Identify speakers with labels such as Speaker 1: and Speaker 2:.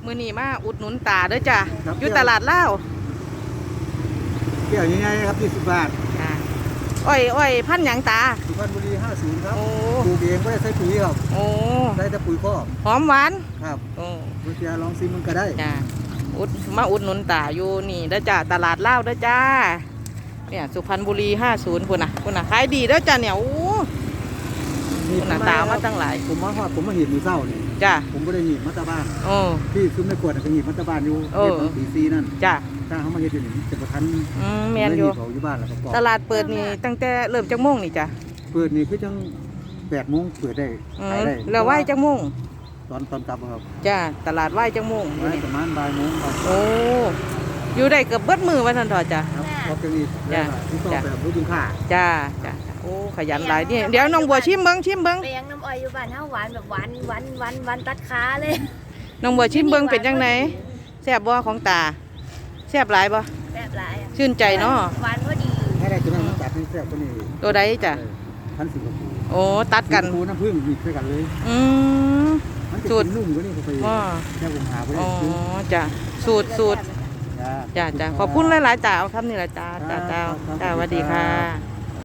Speaker 1: มื้อนี้มาอุดหนุนตาเด้อจ้ะ
Speaker 2: ครับ
Speaker 1: อยู่ตลาดลาว
Speaker 2: เกี่ยวยังไงครับ20 บาท
Speaker 1: จ้ะอ้อยพันธุ์หยังตา
Speaker 2: สุพรรณบุรี50ครับ
Speaker 1: โอ้
Speaker 2: ปลูกเองไม่ได้ใช้ปุ๋ยครับ
Speaker 1: โอ้
Speaker 2: ใช้แต่ปุ๋ยคอก
Speaker 1: หอมหวาน
Speaker 2: ครับ
Speaker 1: โอ้
Speaker 2: คุณเชียร์ลองซิมมันก็ได้
Speaker 1: จ้ะมาอุดหนุนตาอยู่นี่เด้อจ้ะตลาดลาวเด้อจ้าเนี่ยสุพรรณบุรี50พุ่นน่ะขายดีเด้อจ้ะเนี่ยโอ้พุ่นน่ะตามาตั้งหลาย
Speaker 2: ผมมาฮอดผมมาเห็นมือเศร้านี่
Speaker 1: จ้ะ
Speaker 2: ผมไม่ได้หนีบมัตตาบ้าน
Speaker 1: โอ้
Speaker 2: ที่ซุ้มในขวดน่ะก็หนีบมัตตาบ้านอยู่
Speaker 1: เออ
Speaker 2: เฮ็ดปีซีนั่น
Speaker 1: จ้ะ
Speaker 2: ถ้าเขามาเฮ็ดอยู่นี่จะประทัน
Speaker 1: แม่นอยู่
Speaker 2: เขาอยู่บ้านแล้วก็ปอก
Speaker 1: ตลาดเปิดนี่ตั้งแต่เริ่มจักโมงนี่จ้ะ
Speaker 2: เปิดนี่คือจัง8 โมงเปิดได้ขายได้
Speaker 1: แล้วไหว้จักโมง
Speaker 2: ตอนกลับครับ
Speaker 1: จ้ะตลาดไหว้จักโมง
Speaker 2: ไว้ประมาณบ่ายโมงครับ
Speaker 1: โอ้อยู่ได้เกือบเบิดมือว่าท่านทอจ้ะ
Speaker 2: ครับพอจะนี่
Speaker 1: จ้ะ
Speaker 2: ที่ต้องแบบรู้คุณค่า
Speaker 1: จ้าโอ้ขยันหลายนี่เดี๋ยวน้องบัวชิมเบิ้ง
Speaker 3: เลี้ยงน้ำอ้อยอยู่บ้านเฮาหวานแบบหวานตัดขาเลย
Speaker 1: น้องบัวชิมเบิ้งเป็นจังไหนแซ่บบ่ของตาแซ่บหลายบ่
Speaker 3: แบบหลายอะ
Speaker 1: ชื่นใจเนาะ
Speaker 3: หวานพอดี
Speaker 2: ถ้าได้จะนั่งจัดให้แซ่บกว่านี้
Speaker 1: ตัวใดจ้ะ
Speaker 2: 1,000 สิงคโปร์
Speaker 1: โอ้ตัดกัน
Speaker 2: สิงคโปร์น้ำผึ้งมีด้วยกันเลย
Speaker 1: อืม
Speaker 2: มันจะ
Speaker 1: สูตร
Speaker 2: กินนุ่มกว่านี้เขาไป
Speaker 1: อ๋อ
Speaker 2: แค่ผมหาไป
Speaker 1: อ๋
Speaker 2: ได้
Speaker 1: อ
Speaker 2: ซื้อ
Speaker 1: จ้ะสูตรจ้าขอบคุณหลายๆจ้าเอาคำนี้ละจ้าสวัสดีค่ะ